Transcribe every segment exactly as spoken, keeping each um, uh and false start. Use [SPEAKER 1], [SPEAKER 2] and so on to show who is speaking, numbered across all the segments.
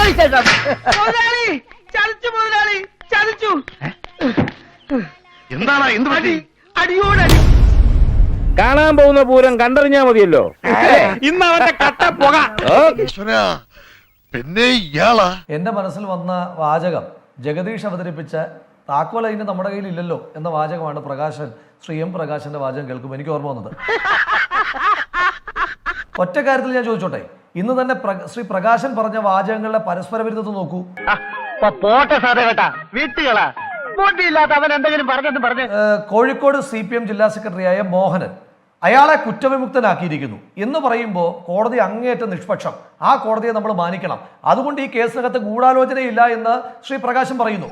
[SPEAKER 1] ചതിച്ചു മുതലാളി, ചതിച്ചു.
[SPEAKER 2] എന്താണ് എന്ത് പറ്റി?
[SPEAKER 1] അടിയോടടി.
[SPEAKER 3] കാണാൻ പോകുന്ന പൂരം കണ്ടറിഞ്ഞാ മതിയല്ലോ. ഇന്ന് അവന്റെ കട്ട പുക.
[SPEAKER 2] പിന്നെ ഇയാളാ
[SPEAKER 4] എന്റെ മനസ്സിൽ വന്ന വാചകം ജഗദീഷ് അവതരിപ്പിച്ച താക്കോൽ അതിന് നമ്മുടെ കയ്യിൽ ഇല്ലല്ലോ എന്ന വാചകമാണ് പ്രകാശൻ, ശ്രീ എം പ്രകാശന്റെ വാചകം കേൾക്കുമ്പോൾ എനിക്ക് ഓർമ്മ വന്നത്. ഒറ്റ കാര്യത്തിൽ ഞാൻ ചോദിച്ചോട്ടെ, ഇന്ന് തന്നെ ശ്രീ പ്രകാശൻ പറഞ്ഞ വാചകങ്ങളുടെ പരസ്പര വിരുദ്ധത നോക്കൂ.
[SPEAKER 1] പോട്ടെ സാറേ കേട്ടാ, വീട്ടുകളാ ബോട്ടിയില്ലാത്ത അവൻ എന്തെങ്കിലും പറഞ്ഞെന്ന് പറഞ്ഞു.
[SPEAKER 4] കോഴിക്കോട് സി പി എം ജില്ലാ സെക്രട്ടറിയായ മോഹനൻ അയാളെ കുറ്റവിമുക്തനാക്കിയിരിക്കുന്നു എന്ന് പറയുമ്പോൾ കോടതി അങ്ങേയറ്റം നിഷ്പക്ഷം, ആ കോടതിയെ നമ്മൾ മാനിക്കണം. അതുകൊണ്ട് ഈ കേസിനകത്ത് ഗൂഢാലോചനയില്ല എന്ന് ശ്രീ പ്രകാശൻ പറയുന്നു.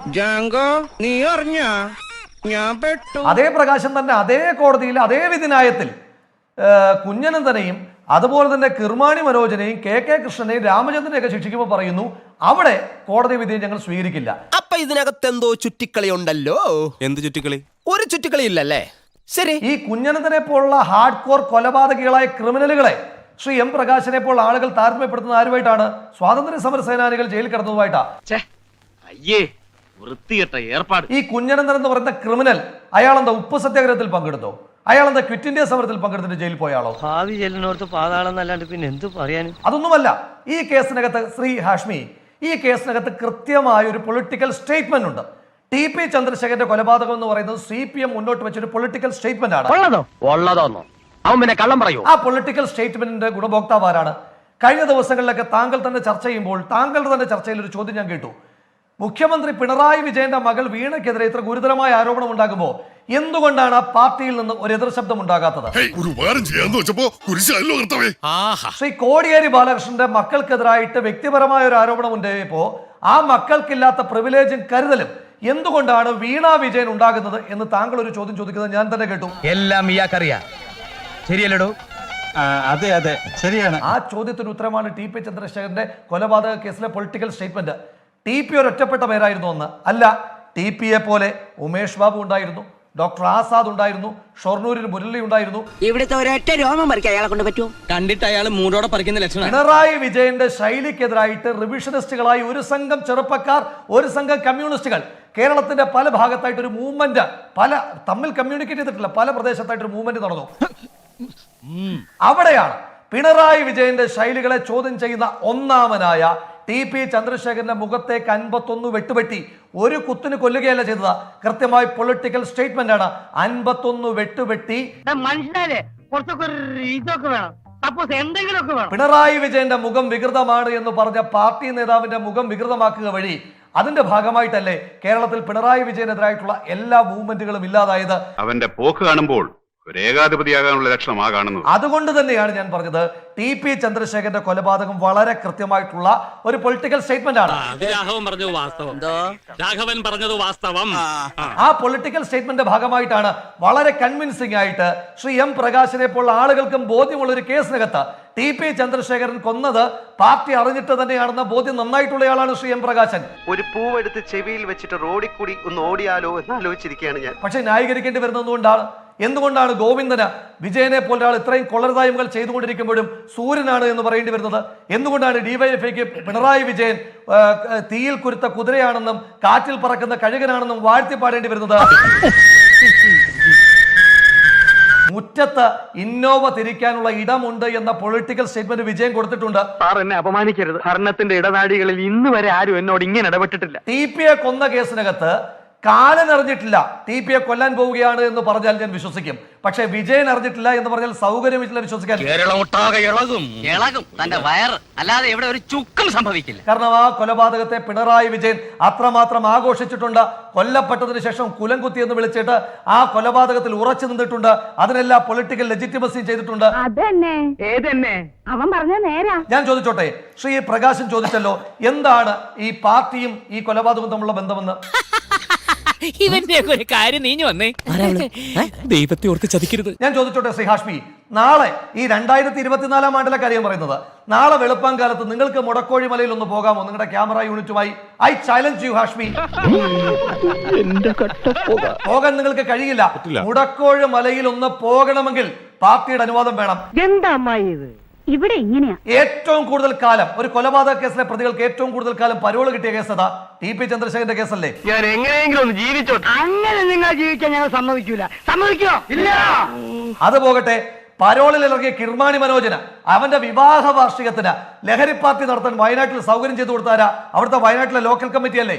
[SPEAKER 4] അതേ പ്രകാശൻ തന്നെ അതേ കോടതിയിൽ അതേ വിധിന്യായത്തിൽ കുഞ്ഞനന്തനെയും അതുപോലെ തന്നെ കിർമാണി മനോജനെയും കെ കെ കൃഷ്ണനെയും രാമചന്ദ്രനെയൊക്കെ ശിക്ഷിക്കുമ്പോൾ പറയുന്നു അവിടെ കോടതി വിധിയെ ഞങ്ങൾ സ്വീകരിക്കില്ല.
[SPEAKER 5] അപ്പൊ ഇതിനകത്ത് എന്തോ ചുറ്റിക്കളി ഉണ്ടല്ലോ. എന്ത് ചുറ്റിക്കളി? ഒരു ചുറ്റിക്കളി ഇല്ലല്ലേ? ശരി.
[SPEAKER 4] ഈ കുഞ്ഞനന്തനെ പോലുള്ള ഹാർഡ് കോർ കൊലപാതകികളായ ക്രിമിനലുകളെ ശ്രീ എം പ്രകാശനെ പോലുള്ള ആളുകൾ താരതമ്യപ്പെടുത്തുന്ന ആരുമായിട്ടാണ്? സ്വാതന്ത്ര്യ സമര സേനാനികൾ ജയിലിൽ കിടന്നതുമായിട്ടാ. ഈ കുഞ്ഞനന്തൻ എന്ന് പറയുന്ന ക്രിമിനൽ അയാളെന്താ ഉപ്പ് സത്യാഗ്രഹത്തിൽ പങ്കെടുത്തോ? അയാളെന്താ ക്വിറ്റ് ഇന്ത്യ സമരത്തിൽ പങ്കെടുത്തിട്ട് ജയിലിൽ പോയാളോ?
[SPEAKER 1] ഭാവി ചെല്ലിനോർത്ത് പാതാളെന്നല്ലാണ്ട് പിന്നെ എന്ത് പറയാൻ?
[SPEAKER 4] അതൊന്നുമല്ല. ഈ കേസിനകത്ത് ശ്രീ ഹാഷ്മി, ഈ കേസിനകത്ത് കൃത്യമായ ഒരു പൊളിറ്റിക്കൽ സ്റ്റേറ്റ്മെന്റ് ഉണ്ട്. ടി പി ചന്ദ്രശേഖരന്റെ കൊലപാതകം എന്ന് പറയുന്നത് സി പി എം മുന്നോട്ട് വെച്ചൊരു പൊളിറ്റിക്കൽ സ്റ്റേറ്റ്മെന്റ് ആണ്.
[SPEAKER 3] അവൻ പിന്നെ കള്ളം പറയൂ.
[SPEAKER 4] ആ പൊളിറ്റിക്കൽ സ്റ്റേറ്റ്മെന്റിന്റെ ഗുണഭോക്താവ് ആരാണ്? കഴിഞ്ഞ ദിവസങ്ങളിലൊക്കെ താങ്കൾ തന്നെ ചർച്ച ചെയ്യുമ്പോൾ താങ്കളുടെ തന്നെ ചർച്ചയിൽ ഒരു ചോദ്യം ഞാൻ കേട്ടു. മുഖ്യമന്ത്രി പിണറായി വിജയന്റെ മകൾ വീണയ്ക്കെതിരെ ഇത്ര ഗുരുതരമായ ആരോപണം ഉണ്ടാകുമ്പോൾ എന്തുകൊണ്ടാണ് ആ പാർട്ടിയിൽ നിന്ന് ഒരു എതിർ ശബ്ദം ഉണ്ടാകാത്തത്? ശ്രീ കോടിയേരി ബാലകൃഷ്ണന്റെ മക്കൾക്കെതിരായിട്ട് വ്യക്തിപരമായ ഒരു ആരോപണം ഉണ്ടായപ്പോ ആ മക്കൾക്കില്ലാത്ത പ്രിവിലേജും കരുതലും എന്തുകൊണ്ടാണ് വീണ വിജയൻ ഉണ്ടാകുന്നത് എന്ന് താങ്കൾ ഒരു ചോദ്യം ചോദിക്കുന്നത് ഞാൻ തന്നെ കേട്ടു.
[SPEAKER 6] എല്ലാം ഇയാൾക്കറിയാം, ശരിയല്ലടോ?
[SPEAKER 7] അതെ അതെ ശരിയാണ്.
[SPEAKER 4] ആ ചോദ്യത്തിന് ഉത്തരമാണ് ടി പി ചന്ദ്രശേഖരന്റെ കൊലപാതക കേസിലെ പൊളിറ്റിക്കൽ സ്റ്റേറ്റ്മെന്റ്. ടി പി ഒരു ഒറ്റപ്പെട്ട പേരായിരുന്നു ഒന്ന് അല്ല. ടി പിയെ പോലെ ഉമേഷ് ബാബു ഉണ്ടായിരുന്നു, ഡോക്ടർ ആസാദ് ഉണ്ടായിരുന്നു, ഷൊർണൂരിൽ മുരളി ഉണ്ടായിരുന്നു.
[SPEAKER 8] ഇവിടുത്തെ ഒരൊറ്റ രോമം പറിക്കാൻ അയാളെ കൊണ്ട് പറ്റുമോ?
[SPEAKER 6] കണ്ടിട്ട് അയാൾ മൂടോടെ പറിക്കുന്ന ലക്ഷണം.
[SPEAKER 4] പിണറായി വിജയന്റെ ശൈലിക്കെതിരായിട്ട് റിവിഷനിസ്റ്റുകളായി ഒരു സംഘം ചെറുപ്പക്കാർ, ഒരു സംഘം കമ്മ്യൂണിസ്റ്റുകൾ കേരളത്തിന്റെ പല ഭാഗത്തായിട്ട് ഒരു മൂവ്മെന്റ്, പല തമ്മിൽ കമ്മ്യൂണിക്കേറ്റ് ചെയ്തിട്ടില്ല, പല പ്രദേശത്തായിട്ട് ഒരു മൂവ്മെന്റ് നടന്നു. അവിടെയാണ് പിണറായി വിജയന്റെ ശൈലികളെ ചോദ്യം ചെയ്യുന്ന ഒന്നാമനായ ടി പി ചന്ദ്രശേഖരന്റെ മുഖത്തേക്ക് അൻപത്തൊന്ന് വെട്ടുവെട്ടി ഒരു കുത്തിന് കൊല്ലുകയല്ല ചെയ്തത്, കൃത്യമായി പൊളിറ്റിക്കൽ സ്റ്റേറ്റ്മെന്റ് ആണ്. അൻപത്തൊന്ന് വെട്ടുവെട്ടി
[SPEAKER 1] മനുഷ്യനെ കുറച്ചൊക്കെ ഇതൊക്കെ വേണം, സപ്പോസ് എന്തെങ്കിലുമൊക്കെ വേണം.
[SPEAKER 4] പിണറായി വിജയന്റെ മുഖം വികൃതമാണ് എന്ന് പറഞ്ഞ പാർട്ടി നേതാവിന്റെ മുഖം വികൃതമാക്കുക വഴി അതിന്റെ ഭാഗമായിട്ടല്ലേ കേരളത്തിൽ പിണറായി വിജയനെതിരായിട്ടുള്ള എല്ലാ മൂവ്മെന്റുകളും ഇല്ലാതായത്?
[SPEAKER 2] അവന്റെ പോക്ക് കാണുമ്പോൾ ഒരു ഏകാധിപതിയാകാനുള്ള ലക്ഷണമാ കാണുന്നത്.
[SPEAKER 4] അതുകൊണ്ട് തന്നെയാണ് ഞാൻ പറഞ്ഞത് ടി പി ചന്ദ്രശേഖരന്റെ കൊലപാതകം വളരെ കൃത്യമായിട്ടുള്ള ഒരു പൊളിറ്റിക്കൽ സ്റ്റേറ്റ്മെന്റ് ആണ്. ആ പൊളിറ്റിക്കൽ സ്റ്റേറ്റ്മെന്റിന്റെ ഭാഗമായിട്ടാണ് വളരെ കൺവിൻസിംഗ് ആയിട്ട് ശ്രീ എം പ്രകാശിനെ പോലുള്ള ആളുകൾക്കും ബോധ്യമുള്ള ഒരു കേസിനകത്ത് ടി പി ചന്ദ്രശേഖരൻ കൊന്നത് പാർട്ടി അറിഞ്ഞിട്ട് തന്നെയാണെന്ന ബോധ്യം നന്നായിട്ടുള്ളയാളാണ് ശ്രീ എം പ്രകാശൻ.
[SPEAKER 9] ഒരു പൂവെടുത്ത് ചെവിയിൽ വെച്ചിട്ട് റോഡിൽ കൂടി ഒന്ന് ഓടിയാലോ എന്ന് ആലോചിച്ചിരിക്കുകയാണ് ഞാൻ.
[SPEAKER 4] പക്ഷെ ന്യായീകരിക്കേണ്ടി വരുന്നത് എന്തുകൊണ്ടാണ്? എന്തുകൊണ്ടാണ് ഗോവിന്ദന് വിജയനെ പോലെ ഒരാൾ ഇത്രയും കൊള്ളരുതായ്മകൾ ചെയ്തുകൊണ്ടിരിക്കുമ്പോഴും സൂര്യനാണ് എന്ന് പറയേണ്ടി വരുന്നത്? എന്തുകൊണ്ടാണ് ഡിവൈഎഫ്ഐക്ക് പിണറായി വിജയൻ തീയിൽ കുരുത്ത കുതിരയാണെന്നും കാറ്റിൽ പറക്കുന്ന കഴുകനാണെന്നും വാഴ്ത്തി പാടേണ്ടി വരുന്നത്? മുറ്റത്ത് ഇന്നോവ തിരിക്കാനുള്ള ഇടമുണ്ട് എന്ന പൊളിറ്റിക്കൽ സ്റ്റേറ്റ്മെന്റ് വിജയൻ കൊടുത്തിട്ടുണ്ട്.
[SPEAKER 1] സാർ എന്നെ അപമാനിക്കരുത്. ഭരണത്തിന്റെ ഇടനാഴികളിൽ ഇന്ന് വരെ ആരും എന്നോട് ഇങ്ങനെ ഇടപെട്ടിട്ടില്ല.
[SPEAKER 4] ടി പിയെ കൊന്ന കേസിനകത്ത് കാലൻ അറിഞ്ഞിട്ടില്ല ടി പിയെ കൊല്ലാൻ പോവുകയാണ് എന്ന് പറഞ്ഞാൽ ഞാൻ വിശ്വസിക്കും. പക്ഷെ വിജയൻ അറിഞ്ഞിട്ടില്ല എന്ന് പറഞ്ഞാൽ സൗകര്യമില്ല വിശ്വസിക്കാൻ.
[SPEAKER 8] അല്ലാതെ ഇവിടെ ഒരു ചുക്കും സംഭവിക്കില്ല.
[SPEAKER 4] കാരണം ആ കൊലപാതകത്തെ പിണറായി വിജയൻ അത്രമാത്രം ആഘോഷിച്ചിട്ടുണ്ട്. കൊല്ലപ്പെട്ടതിന് ശേഷം കുലംകുത്തി എന്ന് വിളിച്ചിട്ട് ആ കൊലപാതകത്തിൽ ഉറച്ചു നിന്നിട്ടുണ്ട്. അതിനെല്ലാം പൊളിറ്റിക്കൽ ലെജിറ്റിമസി ചെയ്തിട്ടുണ്ട്.
[SPEAKER 10] അവൻ പറഞ്ഞ നേരാ.
[SPEAKER 4] ഞാൻ ചോദിച്ചോട്ടെ, ശ്രീ പ്രകാശൻ ചോദിച്ചല്ലോ എന്താണ് ഈ പാർട്ടിയും ഈ കൊലപാതകവും തമ്മിലുള്ള ബന്ധമെന്ന്.
[SPEAKER 6] ഇവന്റെ ഒരു കാര്യം നീഞ്ഞു വന്നേ, ദൈവത്തെ ഓർത്ത് ചതിക്കരുത്.
[SPEAKER 4] ഞാൻ ചോദിച്ചോട്ടെ ശ്രീ ഹാഷ്മി, നാളെ ഈ രണ്ടായിരത്തി ഇരുപത്തിനാലാം ആണ്ടിലെ കാര്യം പറയുന്നത്, നാളെ വെളുപ്പാങ്കാലത്ത് നിങ്ങൾക്ക് മുടക്കോഴി മലയിൽ ഒന്ന് പോകാമോ നിങ്ങളുടെ ക്യാമറ യൂണിറ്റുമായി? I challenge you Hashmi. പോകാൻ നിങ്ങൾക്ക് കഴിയില്ല. മുടക്കോഴി മലയിൽ ഒന്ന് പോകണമെങ്കിൽ പാർട്ടിയുടെ അനുവാദം വേണം.
[SPEAKER 1] എന്താ അമ്മായി ഇത്?
[SPEAKER 10] ഇവിടെ ഇങ്ങനെയാ.
[SPEAKER 4] ഏറ്റവും കൂടുതൽ കാലം ഒരു കൊലപാതക കേസിലെ പ്രതികൾക്ക് ഏറ്റവും കൂടുതൽ കാലം പരോള് കിട്ടിയ കേസ് അതാ ടി പി ചന്ദ്രശേഖരന്റെ കേസല്ലേ.
[SPEAKER 1] ഞാൻ എങ്ങനെയെങ്കിലും ഒന്ന് ജീവിച്ചോ. അങ്ങനെ നിങ്ങൾ ജീവിക്കാൻ ഞങ്ങൾ സമ്മതിക്കൂല. സമ്മതിക്കോ? ഇല്ല.
[SPEAKER 4] അത് പോകട്ടെ, പരോളിൽ ഇറങ്ങിയ കിർമാണി മനോജന് അവന്റെ വിവാഹ വാർഷികത്തിന് ലഹരി പാർട്ടി നടത്താൻ വയനാട്ടിൽ സൗകര്യം ചെയ്തു കൊടുത്താരാ? അവിടുത്തെ വയനാട്ടിലെ ലോക്കൽ കമ്മിറ്റി അല്ലേ?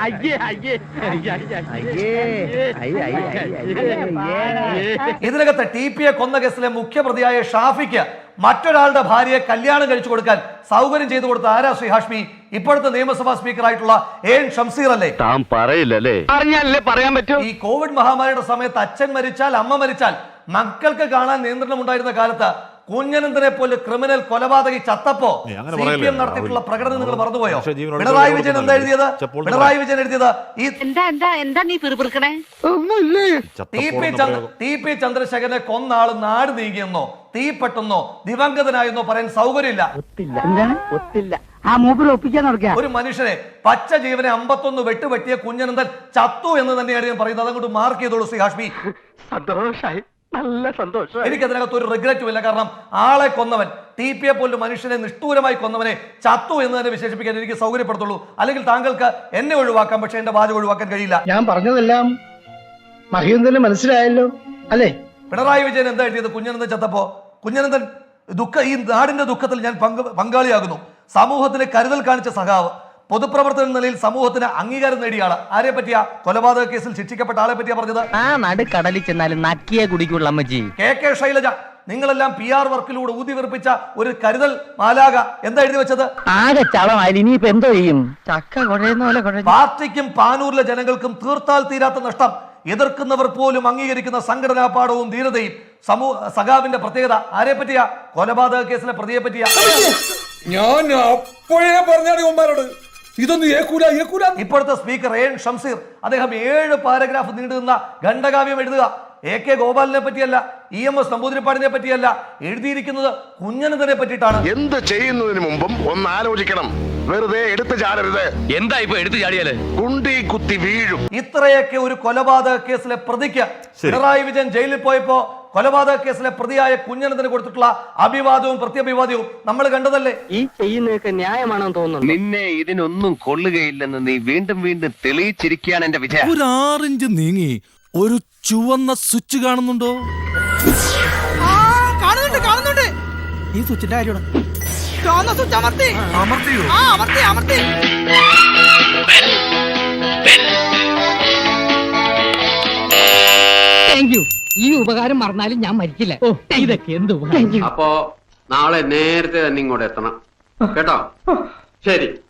[SPEAKER 4] ഇതിനകത്ത് ടി പിയെ കൊന്ന കേസിലെ മുഖ്യപ്രതിയായ ഷാഫിക്ക് മറ്റൊരാളുടെ ഭാര്യയെ കല്യാണം കഴിച്ചു കൊടുക്കാൻ സൗകര്യം ചെയ്തു കൊടുത്ത ആരാ? ശ്രീ ഹാഷ്മി, ഇപ്പോഴത്തെ നിയമസഭാ സ്പീക്കർ ആയിട്ടുള്ള എൻ ഷംസീർ അല്ലേ?
[SPEAKER 1] താൻ പറയില്ലല്ലേ? പറഞ്ഞാലല്ലേ പറയാൻ പറ്റൂ.
[SPEAKER 4] ഈ കോവിഡ് മഹാമാരിയുടെ സമയത്ത് അച്ഛൻ മരിച്ചാൽ അമ്മ മരിച്ചാൽ മക്കൾക്ക് കാണാൻ നിയന്ത്രണം ഉണ്ടായിരുന്ന കാലത്ത് കുഞ്ഞനന്തനെ പോലെ ക്രിമിനൽ കൊലപാതകി ചത്തപ്പോ സി പി എം നടത്തിയിട്ടുള്ള പ്രകടനം നിങ്ങൾ മറന്നുപോയോ? പിണറായി വിജയൻ എന്താ എഴുതിയത്? പിണറായി വിജയൻ എഴുതിയത് ഈ
[SPEAKER 10] എന്താ എന്താ എന്താ നീ പിറുപിറുക്കണേ?
[SPEAKER 4] T P Chandra T P ചന്ദ്രശേഖരനെ കൊന്ന ആള് നാട് നീങ്ങിയെന്നോ തീപ്പെട്ടെന്നോ ദിവംഗതനായെന്നോ പറയാൻ സൗകര്യമില്ല.
[SPEAKER 1] ആ മൂപ്പിൽ ഒപ്പിക്കാൻ നടക്കുക.
[SPEAKER 4] ഒരു മനുഷ്യനെ പച്ച ജീവനെ അമ്പത്തൊന്ന് വെട്ടുവെട്ടിയ കുഞ്ഞനന്തൻ ചത്തു എന്ന് തന്നെയാണ് ഞാൻ പറയുന്നത്. അതങ്ങോട്ട് മാർക്ക് ചെയ്തോളൂ ശ്രീ ഹാഷ്മി.
[SPEAKER 1] സന്തോഷായി, നല്ല സന്തോഷം.
[SPEAKER 4] എനിക്കതിനകത്ത് ഒരു റിഗ്രറ്റും ഇല്ല. കാരണം ആളെ കൊന്നവൻ, ടി പിയെ പോലും മനുഷ്യനെ നിഷ്ഠൂരമായി കൊന്നവനെ ചത്തു എന്ന് തന്നെ വിശേഷിപ്പിക്കാൻ എനിക്ക് സൗകര്യപ്പെടുത്തുള്ളൂ. അല്ലെങ്കിൽ താങ്കൾക്ക് എന്നെ ഒഴിവാക്കാം, പക്ഷെ എന്റെ വാചകം ഒഴിവാക്കാൻ കഴിയില്ല.
[SPEAKER 1] ഞാൻ പറഞ്ഞതെല്ലാം മഹിയന്തന് മനസ്സിലായല്ലോ അല്ലേ?
[SPEAKER 4] പിണറായി വിജയൻ എന്താ എഴുതിയത്? കുഞ്ഞനന്തൻ ചത്തപ്പോ കുഞ്ഞനന്തൻ ദുഃഖ ഈ നാടിന്റെ ദുഃഖത്തിൽ ഞാൻ പങ്ക് പങ്കാളിയാകുന്നു. സമൂഹത്തിന് കരുതൽ കാണിച്ച സഖാവ്, പൊതുപ്രവർത്തന നിലയിൽ സമൂഹത്തിന് അംഗീകാരം നേടിയ ആള്. ആരെ പറ്റിയാ? കൊലപാതക കേസിൽ ശിക്ഷിക്കപ്പെട്ട ആളെ പറ്റിയാ പറഞ്ഞത്.
[SPEAKER 8] ആ നടു കടലിൽ ചെന്നാലും നക്കിയെ കുടിക്കുള്ള അമ്മച്ചി.
[SPEAKER 4] കെ കെ ശൈലജ, നിങ്ങളെല്ലാം പി ആർ വർക്കിലൂടെ ഊതി വീർപ്പിച്ച ഒരു കരുതൽ മാലാക എന്താ എഴുതി വെച്ചത്?
[SPEAKER 8] ആകെ ചളമായി, ഇനിയിപ്പോ എന്തോ ചെയ്യും? ചക്ക കുഴയുന്ന പോലെ കുഴ.
[SPEAKER 4] പാർട്ടിക്കും പാനൂരിലെ ജനങ്ങൾക്കും തീർത്താൽ തീരാത്ത നഷ്ടം. എതിർക്കുന്നവർ പോലും അംഗീകരിക്കുന്ന സംഘടനാ പാഠവും ധീരതയും സമൂഹ സഖാവിന്റെ പ്രത്യേകത. ആരെ പറ്റിയാ? കൊലപാതക കേസിലെ പ്രതിയെ പറ്റിയാ.
[SPEAKER 3] ഞാൻ അപ്പോഴേ പറഞ്ഞാണ് ഉമ്മാരോട് ഇതൊന്നും ഏക്കൂല ഏക്കൂല.
[SPEAKER 4] ഇപ്പോഴത്തെ സ്പീക്കർ എൻ ഷംസീർ അദ്ദേഹം ഏഴ് പാരഗ്രാഫ് നീണ്ടുനിന്ന ഖണ്ഡകാവ്യം എഴുതുക. എ കെ ഗോപാലിനെ പറ്റിയല്ല, ഇ എം എസ് നമ്പൂതിരിപ്പാടിനെ പറ്റിയല്ല, എഴുതിയിരിക്കുന്നത് കുഞ്ഞനന്തനെ പറ്റിയിട്ടാണ്.
[SPEAKER 2] എന്ത് ചെയ്യുന്നതിന് മുമ്പും ഒന്ന് ആലോചിക്കണം. വെറുതെ എടുത്തു ചാടരുത്.
[SPEAKER 8] എന്താ ഇപ്പൊ എടുത്തു ചാടിയാല്?
[SPEAKER 2] കുണ്ടി കുത്തി വീഴും.
[SPEAKER 4] ഇത്രയൊക്കെ ഒരു കൊലപാതക കേസിലെ പ്രതിക്ക് പിണറായി വിജയൻ ജയിലിൽ പോയപ്പോ കൊലപാതക കേസിലെ പ്രതിയായ കുഞ്ഞനന്തന് കൊടുത്തിട്ടുള്ള അഭിവാദവും പ്രത്യഭിവാദവും നമ്മൾ കണ്ടതല്ലേ?
[SPEAKER 8] ഈ ചെയ്യുന്നതൊക്കെ ന്യായമാണെന്ന് തോന്നുന്നു.
[SPEAKER 9] നിന്നെ ഇതിനൊന്നും കൊള്ളുകയില്ലെന്ന് നീ വീണ്ടും വീണ്ടും തെളിയിച്ചിരിക്കുകയാണ് എന്റെ വിജയം.
[SPEAKER 5] ഒരു ആറിഞ്ച് നീങ്ങി ഒരു ചുവന്ന സ്വിച്ച് കാണുന്നുണ്ടോ?
[SPEAKER 6] കാണുന്നുണ്ട് കാണുന്നുണ്ട്.
[SPEAKER 5] ഈ സ്വിച്ചിന്റെ കാര്യമാണ്.
[SPEAKER 6] ചുവന്ന സ്വിച്ച് അമർത്തി
[SPEAKER 5] അമർത്തിയോ?
[SPEAKER 6] ആ അമർത്തി അമർത്തി.
[SPEAKER 8] Thank you. ഈ ഉപകാരം മറന്നാലും ഞാൻ മരിക്കില്ല. ഓ ഇതൊക്കെ എന്ത്
[SPEAKER 9] അപ്പോ നാളെ നേരത്തെ തന്നെ ഇങ്ങോട്ട് എത്തണം കേട്ടോ. ശരി.